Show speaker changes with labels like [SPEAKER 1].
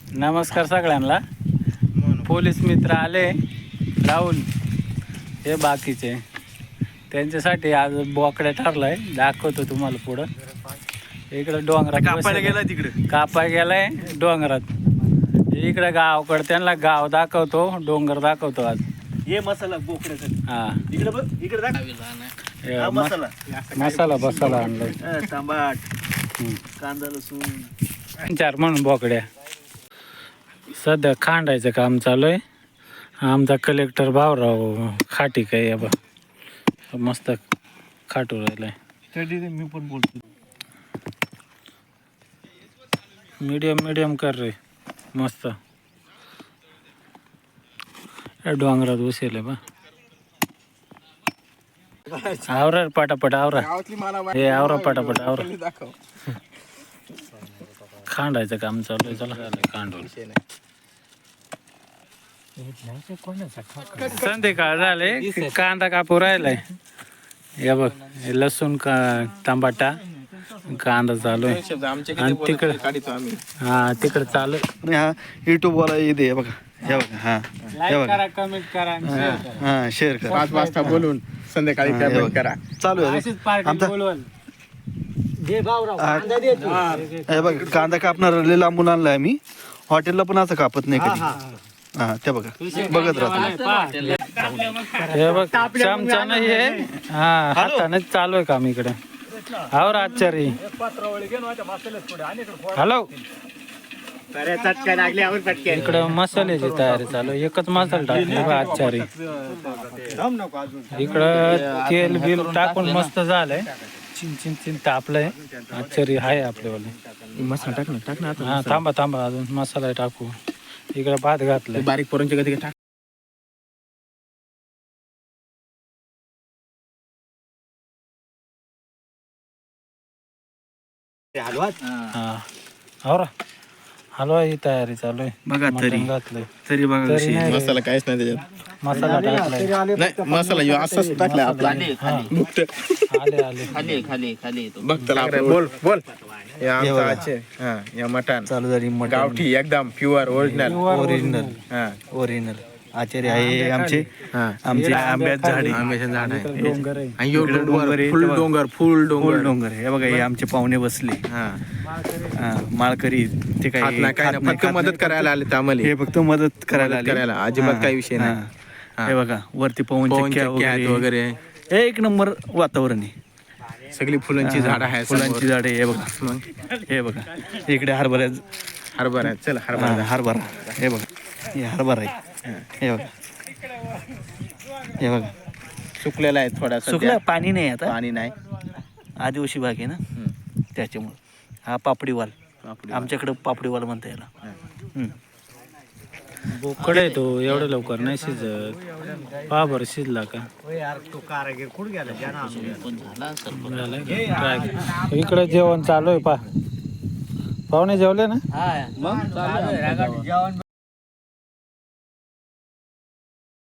[SPEAKER 1] नमस्कार सगळ्यांना. पोलीस मित्र आले, राहुल हे बाकीचे, त्यांच्यासाठी आज बोकड्या ठरलाय. दाखवतो तुम्हाला पुढं. इकडं डोंगरात
[SPEAKER 2] कापायला गेला तिकडे,
[SPEAKER 1] कापाय गेलाय डोंगरात. इकडे गावाकडे त्यांना गाव दाखवतो, डोंगर दाखवतो आज.
[SPEAKER 2] हे मसाला बोकड्याचा.
[SPEAKER 1] हा
[SPEAKER 2] इकडे बघ, इकडे दाखव.
[SPEAKER 1] हे
[SPEAKER 2] हा मसाला,
[SPEAKER 1] मसाला बसाला आणलाय.
[SPEAKER 2] तांबाट, कांदा लसूण.
[SPEAKER 1] 4 म्हणून बोकड्या. सध्या खांडायचं काम चालू आहे. आमचा कलेक्टर भाऊराव खाटी काय बा मस्त खाटू राहिलाय.
[SPEAKER 2] मी पण बोलतो.
[SPEAKER 1] मीडियम कर रे, मस्त. डोंगरात बसेल बा. आवरा पटापट आवरा. हे आवरा पटापट आवरा. खांडायचं काम चालू आहे. चला खांडून संध्याकाळ झाले. कांदा कापू राहिलाय. हे बघ, हे लसूण टमाटा कांदा चालू आहे. आणि तिकडे हा तिकडे चालू आहे.
[SPEAKER 2] हा युट्यूब वाला येते बघा. हे बघा, हा
[SPEAKER 1] लाईक करा, कमेंट करा,
[SPEAKER 2] हा शेअर करा.
[SPEAKER 3] 5 वाजता बोलून संध्याकाळी कमेंट करा.
[SPEAKER 2] चालू आहे.
[SPEAKER 1] अशीच पार्टी बोलवल.
[SPEAKER 2] हे बघा, कांदा कापणार लय लांबून आणलाय मी. हॉटेलला पण असं कापत नाही कधी. हा ते बघा, बघत राहतो.
[SPEAKER 1] हे बघ, चमचा नाही आहे. हा हाताने चालू आहे काम इकडे. और आचारी हॅलो. इकडे मसाल्याची तयारी चालू. एकच मसाला टाकले बा आचारी. इकडं तेल बिल टाकून मस्त झालंय. चिन चिन तापलंय. आचारी आहे आपल्यावाले.
[SPEAKER 2] मसाला टाक ना.
[SPEAKER 1] हा थांबा अजून मसाला टाकू. इकडे भात घातलाय.
[SPEAKER 3] बारीक पोरांची कधी टाक.
[SPEAKER 1] हा और हलवा ही तयारी चालू आहे.
[SPEAKER 2] बघा तरी
[SPEAKER 1] घातलंय.
[SPEAKER 2] तरी बघा
[SPEAKER 1] तरी
[SPEAKER 2] कशी.
[SPEAKER 1] नाही रे.
[SPEAKER 3] मसाला काहीच नाही त्याच्यात.
[SPEAKER 1] मसाला टाकलाय.
[SPEAKER 3] नाही मसाला ह्यो असाच टाकला आपला.
[SPEAKER 1] आले
[SPEAKER 3] बघ त्याला बोल. हे आमचा आचे. हा या मटण
[SPEAKER 2] चालू झाली
[SPEAKER 3] गावठी एकदम प्युअर ओरिजिनल. हा
[SPEAKER 2] ओरिजिनल आचार्य आहे आमचे. आमचे आंब्याचं झाड आहे.
[SPEAKER 3] आंब्याचं झाड आहे.
[SPEAKER 1] डोंगर आहे.
[SPEAKER 3] आणि ह्यो
[SPEAKER 2] इकडे डोंगर आहे.
[SPEAKER 3] फुल डोंगर.
[SPEAKER 2] फुल डोंगर. हे बघा, हे आमचे पाहुणे बसले.
[SPEAKER 3] हा
[SPEAKER 2] माळकरी ते
[SPEAKER 3] खात
[SPEAKER 2] काही
[SPEAKER 3] नाही काय नाही, फक्त मदत करायला आले आम्हाला.
[SPEAKER 2] हे फक्त मदत करायला आले.
[SPEAKER 3] करायला अजिबात काही विषय नाही.
[SPEAKER 2] हे बघा, वरती पवन
[SPEAKER 3] पवनचक्की
[SPEAKER 2] चक्क्या
[SPEAKER 3] आहेत
[SPEAKER 2] वगैरे.
[SPEAKER 3] वगैरे
[SPEAKER 2] एक नंबर वातावरण आहे.
[SPEAKER 3] सगळी फुलांची झाड आहेत.
[SPEAKER 2] फुलांची झाडे. हे बघा, हे बघा, इकडे हरभरा
[SPEAKER 3] हरभरा चल
[SPEAKER 2] हरभरा. हे बघा, हे हरभरा आहे. हे बघा, हे बघा,
[SPEAKER 3] सुकलेला आहे थोडा.
[SPEAKER 2] सुकला. पाणी नाही आता.
[SPEAKER 3] पाणी नाही.
[SPEAKER 2] आदिवासी भाग आहे ना, त्याच्यामुळे. हा पापडीवाल. आमच्याकडे पापडीवाल म्हणता याला.
[SPEAKER 1] बोकडे तो एवढं लवकर नाही शिजत. पहा बरं शिजला का. इकडे जेवण चालू आहे. पाहुणे जेवले ना.